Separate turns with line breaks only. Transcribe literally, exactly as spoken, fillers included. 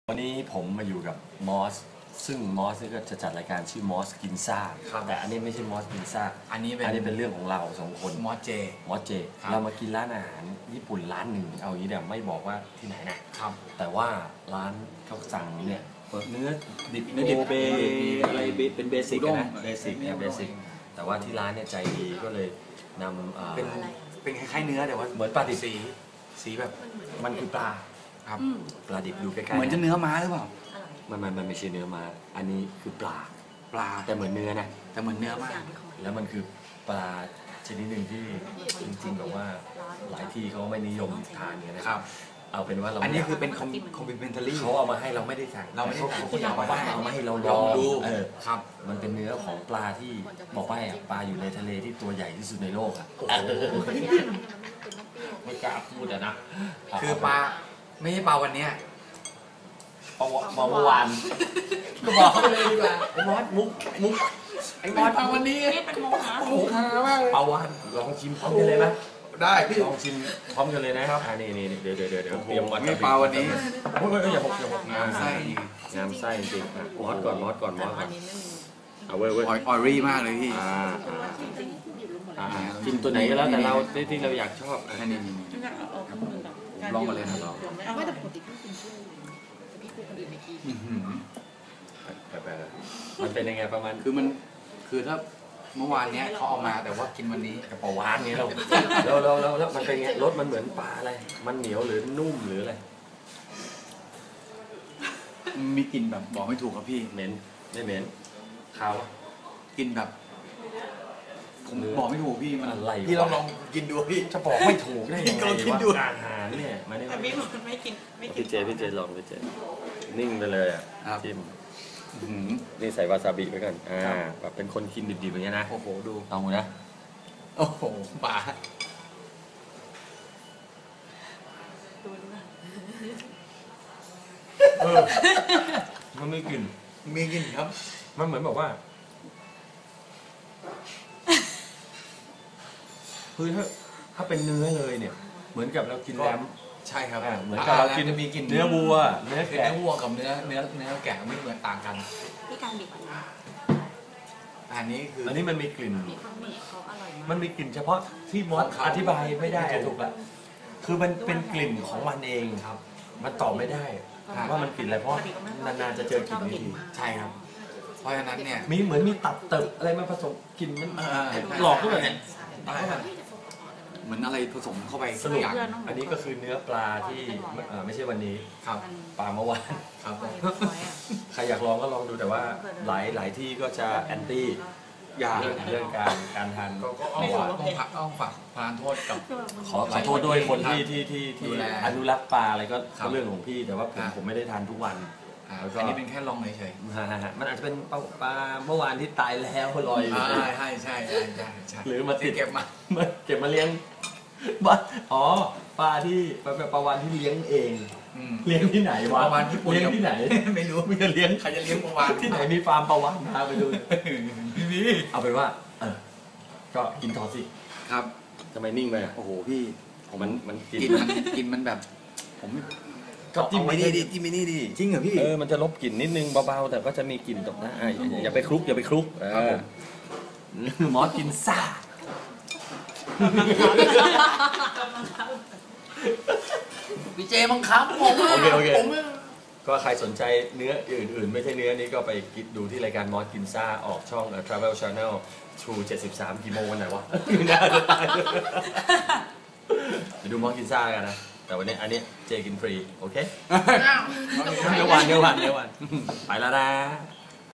วันนี้ผมมาอยู่กับมอสซึ่งมอสนี่ก็จะจัดรายการชื่อมอสกินซ่าแต่อันนี้ไม่ใช่มอสกินซ่า
อันนี้เป็น
อันนี้เป็นเรื่องของเราสองคน
มอสเจ
มอสเจเรามากินร้านอาหารญี่ปุ่นร้านหนึ่งเอาอย่างนี้เดี๋ยวไม่บอกว่าที่ไหนนะครับแต่ว่าร้านเขาสั่งเนี่ยเนื้อดิบเนื้อดิบเบอะไรเป็นเบสิกนะเบสิกเนี่ยเบสิกแต่ว่าที่ร้านเนี่ยใจดีก็เลยนำ
เป็นเป็นคล้ายๆเนื้อแต่ว่า
เหมือนปลาดิบ
สีสีแบบ
มันคือปลา
ครับ
ปลาดิบดูใกล้ๆ
เหมือนจะเนื้อม้าหรือเปล่า
มันมันมันไม่ใช่เนื้อม้าอันนี้คือปลา
ปลา
แต่เหมือนเนื้อนะ
แต่เหมือนเนื้อมาก
แล้วมันคือปลาชนิดหนึ่งที่จริงๆแบบว่าหลายที่เขาไม่นิยมทานกันนะครับเอาเป็นว่าเรา
อันนี้คือเป็นคอมพลีเมนทารี่
เขาเอามาให้เราไม่ได้สั่ง
เราไม่ได้สั่ง
เขาเอามาให้เอามาให้เราลองดูเออครับมันเป็นเนื้อของปลาที่บอกว่าปลาอยู่ในทะเลที่ตัวใหญ่ที่สุดในโลกอ่ะไม่กล้าพูดอะนะ
คือปลาไม่ใช่ปลาวันนี้
ปลาเมื่อวานก็บอกเขาไปเลยดีกว่าไอ้มอสมุกมุกไอ้มอสปลาวันนี้
เป็นโมหะ
โอ้โหมากเลยปลาวานลองชิมพร้อมกันเลยไหม
ได้พี่
ลองชิมพร้อมกันเลยนะครับอ่านี่นี่เดี๋ยวเดี๋ยวเดี๋ยวเดี๋ยวเตรียม
วัตถุดิบปลาวันนี้
โอ้ยอย่าหกอย่าหก
งามไส้
งามไส้จริงมอสก่อนมอสก่อนมอสก่อนเอาเว้ยเว้ย
ออรี่มากเลยพี่
อ่าอ่าชิมตัวไหนก็แล้วแต่เราที่เราอยากชอบ
อันนี้ลองมาเลยนะลอง
ไม่แต่ปกติพี่กินชื่อพี่คุยคนอื่นไม่กิน
มันเป็นยังไงประมาณ
คือมันคือถ้าเมื่อวานเนี้ยเขาเอามาแต่ว่ากินวันนี้
กับปลาวานนี้เราเราเราเราแล้วมันเป็นไงรสมันเหมือนปลาอะไรมันเหนียวหรือนุ่มหรืออะไร
มีกลิ่นแบบบอกไม่ถูกครับพี่
เหม็นไม่เหม็นขาว
กลิ่นแบบผมบอกไม่ถูกพี่มัน
อะไร
พี่เราลองกินดูพี่
จะบอกไม่ถูกได้ยังไงว่าอาหารเนี่ย
มาเนี่ยพี่ไม่กินไม่กิน
พี่เจพี่เจลองพี่เจนิ่งไปเลยอ่ะจิ้มนี่ใส่วาซาบิไปก่อนอ่าแบบเป็นคนกินดิบๆอย่างเงี้ยนะ
โอ้โหดู
ลองดูนะ
โอ้โหปลา
ดูดูนะ
เออมันไม่กลิ่น
มีกลิ่นครับ
มันเหมือนแบบว่าคือถ้าถ้าเป็นเนื้อเลยเนี่ยเหมือนกับเรากินแรม
ใช่ครับ
เหมือนกับเรากิน
มีกลิ่น
เนื้อวัวเนื้อ
แกะเนื้อวัวกับเนื้อเนื้อเนื้อแกะไม่เหมือนต่างกัน
พี่การบีบ
อันนี้คือ
อันนี้มันมีกลิ่น
เขาอร่อยมาก
มันมีกลิ่นเฉพาะที่มอสอธิบายไม่ได้ถูกแล้วคือมันเป็นกลิ่นของมันเองครับมันตอบไม่ได้ว่ามันกลิ่นอะไรเพราะนานๆจะเจอกลิ่นนี้
ใช่ครับเพราะฉะนั้นเนี่ย
มีเหมือนมีตับเติบอะไรมาผสมกลิ่นมันหลอกด้วยเนี่ย
เหมือนอะไรผสมเข้าไป
สนุกอันนี้ก็คือเนื้อปลาที่ไม่ใช่วันนี้
ครับ
ปลาเมื่อวาน
ครับ
ใครอยากลองก็ลองดูแต่ว่าหลายหลายที่ก็จะแอนตี้
อย่าง
เรื่องการการทาน
ก็ต้องผักต้องฝากพานโทษกับ
ขอขอโทษด้วยคนที่ที่ที่ที่อนุรักษ์ปลาอะไรก็เรื่องของพี่แต่ว่าผมผมไม่ได้ทานทุกวัน
อันนี้เป็นแค่ลองเฉย
ๆมันอาจจะเป็นปลาเมื่อวานที่ตายแล้วลอยอยู่
ใช่ใช่ใช่ใช่
หรือมาติด
เก็บมา
เก็บมาเลี้ยงบ้านอ๋อปลาที่ปลาปลาวานที่เลี้ยงเองเลี้ยงที่ไหนวะ
ปลาวานที่
เลี้ยงที่ไหน
ไม่รู้
ไม่จะเลี้ยง
ใครจะเลี้ยงปลาวาน
ที่ไหนมีฟาร์มปลาวานพาไปดูพี่พี่เอาเป็นว่าเออก็กินต่อสิ
ครับ
ทำไมนิ่งไป
โอ้โหพี่
มันมัน
กินมันกินมันแบบผม
ก็จิ้มไม่นี่ดิจิ้มไม่นี่ดิ
จริงเหรอพี่
เออมันจะลบกลิ่นนิดนึงเบาๆแต่ก็จะมีกลิ่นตกนะอย่าไปคลุกอย่าไปคลุกหมอกินซ่า
พี่เจมังคับผม
โอเคโอเคก็ใครสนใจเนื้ออื่นๆไม่ใช่เนื้อนี้ก็ไปดูที่รายการมอสกินซ่าออกช่อง Travel Channel True เจ็ดสิบสามกี่โมงวันไหนวะน่าจะตายไปดูมอสกินซ่ากันนะแต่วันนี้อันนี้เจกินฟรีโอเคเดี๋ยววันเดี๋ยววันเดี๋ยววันไปแล้วนะ